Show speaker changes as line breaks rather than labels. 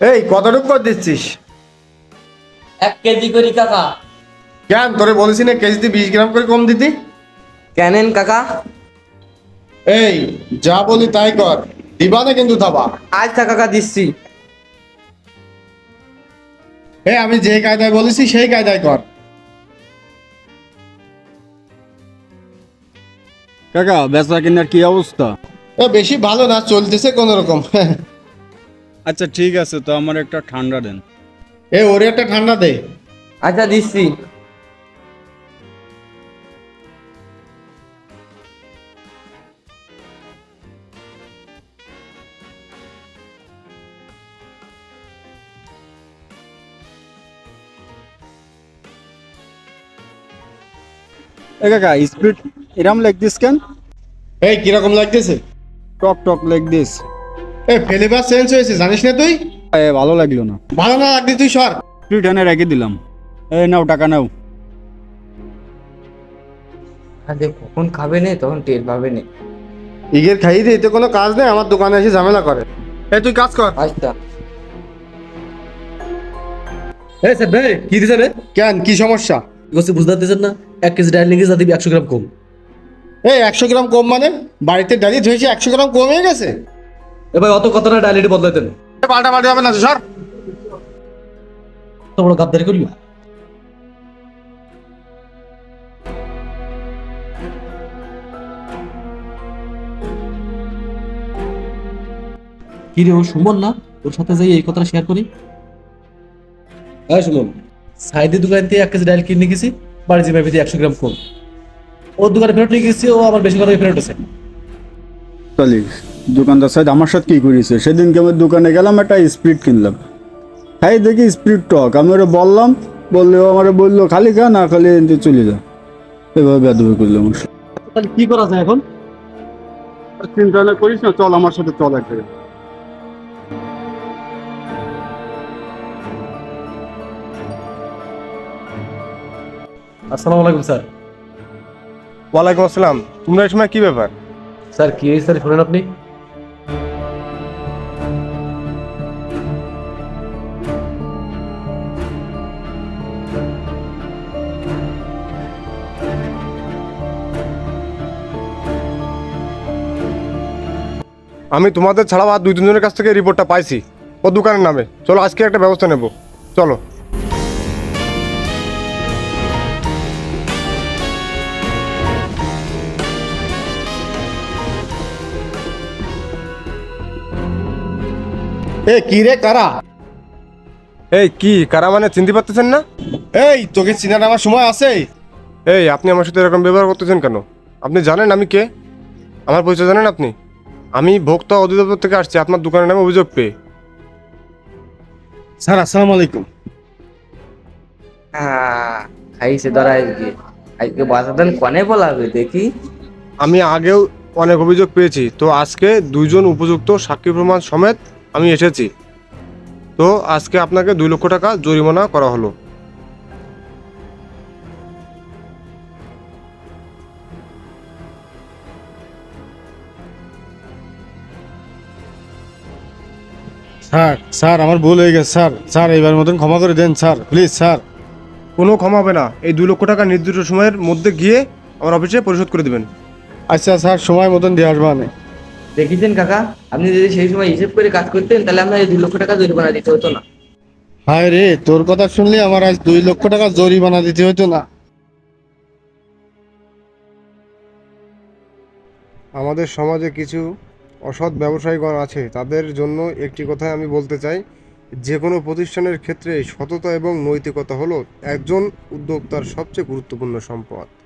এই কতটুকু করে দিচ্ছিস?
1 কেজি করি কাকা।
কেন তোরে বলেছি না কেজিতে 20 গ্রাম করে কম দিতি?
কেনেন কাকা?
এই যা বলি তাই কর, দিবা না কিন্তু থাবা।
আচ্ছা কাকা দিচ্ছি।
আমি যে কায়দায় বলেছি সেই কায়দায় কর।
কাকা বেচা কেনার কি অবস্থা?
বেশি ভালো না, চলতেছে কোন রকম।
আচ্ছা ঠিক আছে, তো আমার একটা ঠান্ডা দেন।
ওরে একটা ঠান্ডা দে।
আচ্ছা দিচ্ছি।
এ কাকা স্পিড এরম লাইক দিস কেন?
কিরকম লাগতেছে?
টক টক লাইক দিস।
ফ্লেভার চেঞ্জ হয়েছে জানিস না তুই?
ভালো লাগলো না।
ভালো না লাগলে তুই সর।
স্পিড এনে রেখে দিলাম। নাও টাকা নাও।
আরে কখন খাবে নে তখন টের পাবে নে।
ইগের খাইয়ে দে, এতে কোনো কাজ নেই, আমার দোকানে এসে ঝামেলা করে। তুই কাজ কর।
আচ্ছা।
স্যার ভাই কি দিছে রে?
কেন, কি সমস্যা?
বুঝতে পারতেছেন না? 1 কেজি ডাল নিয়ে গেছে, দিবি 100 গ্রাম কম।
100 গ্রাম কম মানে? বাড়িতে ডালি ধুয়েছি 100 গ্রাম কম হয়ে গেছে?
ভাই অত কথা না, ডাল এটি বদলাইতেন।
পাল্টা পাল্টা হবে না তো, সর।
তো বড় গাদ্দারি করিও। কি রে, ও সুমন না? ওর সাথে যাই এই কথাটা শেয়ার করি। হ্যাঁ সুমন, সাইদের দোকান থেকে 1 কেজি ডাল কিনে গেছি, বাড়ি জিমে 100 গ্রাম কম। ওর দোকানে ফেরত নিয়ে গেছি, ও আমার বেশি করে ফেরত আছে।
তাহলে দোকানদার সাহেব আমার সাথে কি করেছে? সেদিনকে আমি দোকানে গেলাম, একটা স্পিড কিনলাম। হ্যাঁ দেখি স্পিড টক, আমি ওরা বললাম, বললে ও আমার বললো খালি খা না খালি এনতে চলে যা। এভাবে বেদবি করলাম।
তাহলে কি করা যায় এখন?
চিন্তা না করিস না, চল আমার সাথে চল একটা।
আসসালামু আলাইকুম স্যার।
ওয়ালাইকুম আসসালাম। তোমরা এই সময় কি ব্যাপার?
স্যার কি হয়েছে স্যার, শুনেন আপনি?
আমি তোমাদের ছাড়াও আর 2-3 জনের কাছ থেকে রিপোর্টটা পাইছি ও দোকানের নামে। চলো আজকে একটা ব্যবস্থা নেব, চলো। কি রে কারা? কি কারা মানে চিনতে পারতেছেন না? তোকে চিনার আমার সময় আছে? আপনি আমার সাথে এরকম ব্যবহার করতেছেন কেন? আপনি জানেন আমি কে? আমার পরিচয় জানেন আপনি? আমি ভোক্তা অধিদপ্তর থেকে আসছি আপনার দোকানের নামে অভিযোগ পেয়ে। স্যার আসসালামু আলাইকুম।
খাইছে ধরা আজকে। আজকে বাসাদান কনে বলাবে দেখি।
আমি আগেও অনেক অভিযোগ পেয়েছি, তো আজকে 2 জন উপযুক্ত সাক্ষী প্রমাণ সমেত আমি এসেছি। তো আজকে আপনাকে 2 লক্ষ টাকা জরিমানা করা হলো। স্যার আমার ভুল হয়ে গেছে স্যার এবার মতন ক্ষমা করে দেন স্যার, প্লিজ স্যার। কোনো ক্ষমা হবে না, এই 2 লক্ষ টাকা নির্দিষ্ট সময়ের মধ্যে গিয়ে আমার অফিসে পরিশোধ করে দেবেন। আচ্ছা স্যার, সময় মতন দিয়ে আসবানে।
দেখেছেন কাকা, আপনি যদি সেই সময় হিসেব করে কাজ করতেন তাহলে আপনার এই 2 লক্ষ টাকা জরিমানা দিতে হতো না।
হায় রে, তোর কথা শুনলে আমার আজ 2 লক্ষ টাকা জরিমানা দিতে হতো না। আমাদের সমাজে কিছু অসৎ ব্যবসায়ীগণ আছে, তাদের জন্য একটি কথাই আমি বলতে চাই, যে কোনো প্রতিষ্ঠানের ক্ষেত্রে সততা এবং নৈতিকতা হলো একজন উদ্যোক্তার সবচেয়ে গুরুত্বপূর্ণ সম্পদ।